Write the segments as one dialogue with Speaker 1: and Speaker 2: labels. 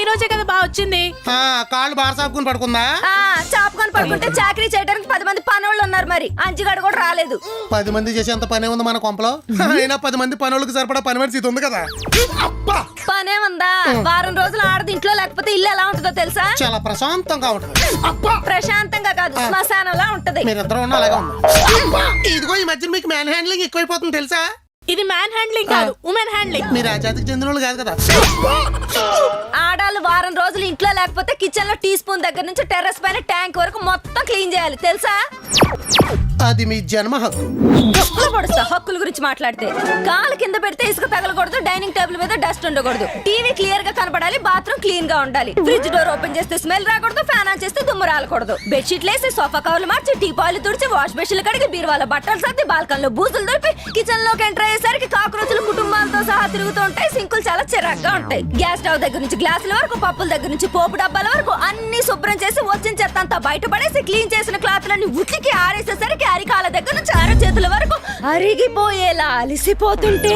Speaker 1: రోజే కదా బాగా వచ్చింది.
Speaker 2: కాళ్ళు బాగా చాపుకుని పడుకుందా?
Speaker 3: చాపుకొని పడుకుంటే చాకరీ చేయడానికి 10 మంది పనోళ్ళు ఉన్నారు, మరి అంచుగాడు కూడా రాలేదు.
Speaker 2: 10 మంది చేసేంత పనే ఉంది మన కొంపలో. అయినా 10 మంది పనులకు సరిపడా పని మనిషి ఇది ఉంది కదా.
Speaker 3: పనే ఉందా? వారం రోజులు ఆడది ఇంట్లో లేకపోతే ఇల్లు ఎలా ఉంటుందో తెలుసా?
Speaker 2: చాలా ప్రశాంతంగా ఉంటుంది.
Speaker 3: ప్రశాంతంగా కాదు, శ్మశానంలా ఉంటది.
Speaker 2: మీరిద్దరు ఉన్న అలాగే ఉంది. ఇదిగో ఈ మధ్య మీకు మ్యాన్ హ్యాండ్లింగ్ ఎక్కువైపోతుంది తెలుసా?
Speaker 1: ఇది మ్యాన్ హ్యాండ్లింగ్ కాదు, ఉమెన్ హ్యాండ్లింగ్.
Speaker 2: మీరు ఆ జాతికి చెందిన వాళ్ళు కాదు కదా.
Speaker 3: ఆడాళ్ళు వారం రోజులు ఇంట్లో లేకపోతే కిచెన్ లో టీ స్పూన్ దగ్గర నుంచి టెర్రస్ పైన ట్యాంక్ వరకు మొత్తం క్లీన్ చేయాలి తెలుసా?
Speaker 2: అది మీ జన్మ హక్కు.
Speaker 3: డబ్బులు పడుస్తా హక్కుల గురించి మాట్లాడితే. కాలు కింద పెడితే ఇసుక తగలకూడదు, డైనింగ్ టేబుల్ మీద డస్ట్ ఉండకూడదు, టీవీ క్లియర్ గా కనపడాలి, బాత్రూమ్ క్లీన్ గా ఉండాలి, ఫ్రిడ్జ్ డోర్ ఓపెన్ చేస్తే స్మెల్ రాకూడదు, ఫ్యాన్ ఆన్ చేస్తే దుమ్ము రాలకూడదు, బెడ్షీట్లు వేసి సోఫా కవర్లు మార్చి టీపాయిలు తుడిచి వాష్ బెషన్లు కడిగి బీరువాల బట్టలు సర్ది బాల్కన్లో బూజులు దొరికి కిచెన్ లోకి ఎంటర్ అయ్యేసరికి కాక్రోచులు కుటుంబాలతో సహా తిరుగుతూ ఉంటాయి. సింకులు చాలా చిరాగ్గా ఉంటాయి. గ్యాస్ స్టవ్ దగ్గర నుంచి గ్లాసుల వరకు, పప్పుల దగ్గర నుంచి పోపు డబ్బాల వరకు అన్ని శుభ్రం చేసి వచ్చిన చెత్త అంతా బయటపడేసి క్లీన్ చేసిన క్లాత్లన్నీ ఉతికి ఆరేసేసరికి అరికాల దగ్గర నుంచి చేతుల వరకు అరిగిపోయేలా అలిసిపోతుంటే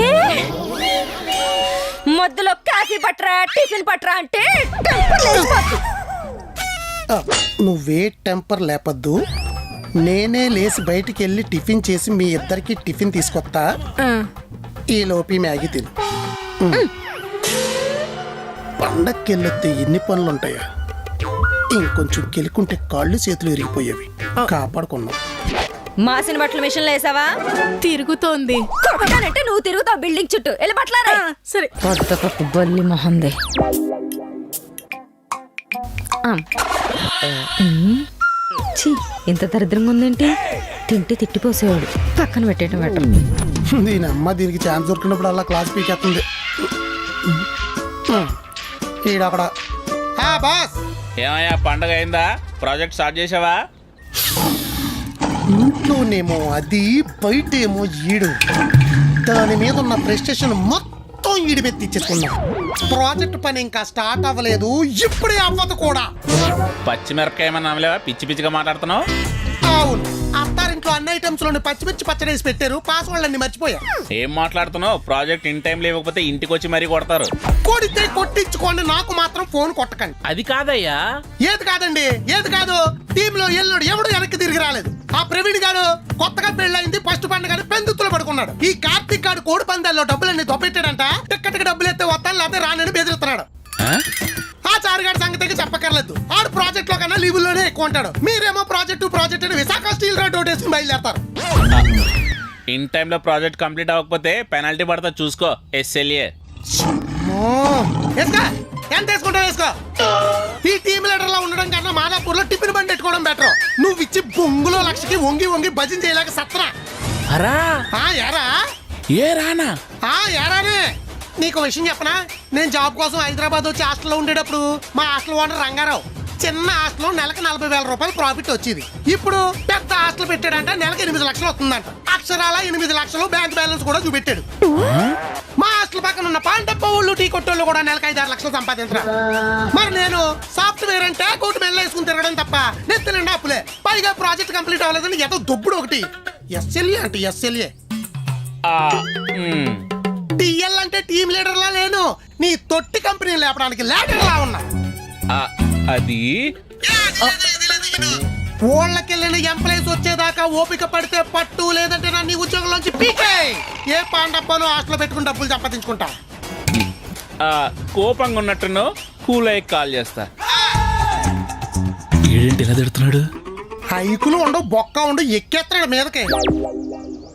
Speaker 3: మధ్యలో కాఫీ పట్రా టిఫిన్ పట్రా అంటే
Speaker 2: నువ్వే టెంపర్ లేపద్దు. నేనే లేచి బయటికి వెళ్ళి టిఫిన్ చేసి మీ ఇద్దరికి టిఫిన్ తీసుకొస్తా. ఈ లోపి మ్యాగీ తిను. పండక్కి వెళ్ళొస్తే ఎన్ని పనులు ఉంటాయా? ఇంకొంచెం కెలుకుంటే కాళ్ళు చేతులు విరిగిపోయేవి. కాపాడుకున్నాం.
Speaker 3: మాసిన బట్టల మిషన్ లో వేసావా?
Speaker 1: తిరుగుతోంది.
Speaker 3: కొట్టానంటే నువ్వు తిరుగుతావు బిల్డింగ్ చుట్టూ. వెళ్ళి బట్టలారా.
Speaker 1: సరే.
Speaker 3: బల్లి మొహందే. ఇంత దరిద్రంగా ఉందేంటి? తింటే తిట్టిపోసేవాడు. పక్కన పెట్టేయడం బెటర్.
Speaker 2: దీని అమ్మ దీనికి ఛాన్స్ దొరికినప్పుడు అలా క్లాస్ పీకేస్తుంది. ఈడక్కడ బాస్.
Speaker 4: ఏమయ్యా పండగ అయిందా? ప్రాజెక్ట్ స్టార్ట్ చేసావా?
Speaker 2: ఇంట్లోనేమో అది, బయటేమో ఈడు. దాని మీద ఉన్న ప్రెస్టేషన్ మొత్తం ఈడి మీద తెచ్చేసుకున్నాం. ప్రాజెక్ట్ పని ఇంకా స్టార్ట్ అవ్వలేదు, ఇప్పుడే అవ్వదు కూడా.
Speaker 4: పచ్చిమిరపకాయ ఏమన్నా నమ్మలేవా? పిచ్చి పిచ్చిగా మాట్లాడుతున్నావు.
Speaker 2: అవును, అత్తారింట్లో అన్ని ఐటమ్స్ లోని పచ్చిమిర్చి పచ్చడి వేసి పెట్టారు. పాస్వర్డ్ అన్ని మర్చిపోయా.
Speaker 4: ఏం మాట్లాడుతున్నావు? ప్రాజెక్ట్ ఇన్ టైం లేకపోతే ఇంటికి వచ్చి మరీ కొడతారు.
Speaker 2: కొడితే కొట్టించుకోండి, నాకు మాత్రం ఫోన్ కొట్టకండి.
Speaker 4: అది కాదయ్యా.
Speaker 2: ఏది కాదండి? ఏది కాదు? టీమ్ లో ఎల్లుడు ఎవడు వెనక్కి తిరిగి రాలేదు. ఆ ప్రవీణ్ గారు కొత్తగా పెళ్ళయింది, ఫస్ట్ పండుగ పెందుతులు పడుకున్నాడు. ఈ కార్తీక్ గారు కోడి పందాల్లో డబ్బులన్నీ దొబ్బెట్టాడంట. టిక్కెట్కి డబ్బులు ఎత్తే వస్తాను లేకపోతే రానని బెదిరిస్తున్నాడు. ఆ చారుగాడి సంగతికి చెప్పక్కర్లేదు. ఆడు ప్రాజెక్ట్ లో కన్నా లీవుల్లోనే ఎక్కువ ఉంటాడు. మీరేమో ప్రాజెక్ట్ అని విశాఖ స్టీల్ రోడ్ వేసుకుని బయలుదేరతారు.
Speaker 4: ఇన్ టైంలో ప్రాజెక్ట్ కంప్లీట్ అవ్వకపోతే పెనాల్టీ పడతా చూసుకో. SLA.
Speaker 2: ఎంత వేసుకుంటావు వేసుకో. ఈ టీమ్ లీడర్ లా ఉండడం కన్నా మాదాపూర్ లో టిఫిన్ బండి పెట్టుకోవడం బెటర్. నువ్వు ఇచ్చి బొంగులో లక్షకి వంగి వంగి భజన చేయలేక సత్రా. ఏరా
Speaker 4: ఏ రానా?
Speaker 2: ఏరానే. నీకు విషయం చెప్పనా? నేను జాబ్ కోసం హైదరాబాద్ వచ్చి హాస్టల్లో ఉండేటప్పుడు మా హాస్టల్ ఓనర్ రంగారావు చిన్న హాస్టల్ నెలకు 40,000 రూపాయలు ప్రాఫిట్ వచ్చేది. ఇప్పుడు పెద్ద హాస్టల్ పెట్టాడంట, నెలకు 8 లక్షలు వస్తుందంట. అక్షరాల 8 లక్షలు బ్యాంక్ బ్యాలెన్స్ కూడా చూపెట్టాడు. మా హాస్టల్ పక్కన ఉన్న పాండప్ప వాళ్ళు టీ కొట్టోళ్ళు కూడా నెలకు 5-6 లక్షలు సంపాదించరా. మరి నేను సాఫ్ట్వేర్ అంటే కోటి మెల్ల వేసుకుని తిరగడం తప్ప నెత్తి నిండా అప్పులే. పైగా ప్రాజెక్ట్ కంప్లీట్ అవ్వలేదని ఏదో దొబ్బుడు ఒకటి. SLA అంటే SLA. టీఎల్ అంటే టీమ్ లీడర్ లా లేను, నీ తొట్టి కంపెనీ లేపడానికి లీడర్ లా ఉన్నా.
Speaker 4: అది
Speaker 2: ఊళ్ళకెళ్ళిన ఎంప్లాయీస్ వచ్చేదాకా ఓపిక పడితే పట్టు, లేదంటే నన్ను ఉద్యోగంలోంచి పీకే. ఏ పాండప్పను హాస్టల్ పెట్టుకుని డబ్బులు సంపాదించుకుంటా.
Speaker 4: కోపంగా ఉన్నట్టును కూల్ అయ్యి కాల్ చేస్తా. ఏంటి ఇలా తిడుతున్నాడు?
Speaker 2: హైకులు ఉండవు, బొక్క ఉండు, ఎక్కేస్తున్నాడు మీదకి.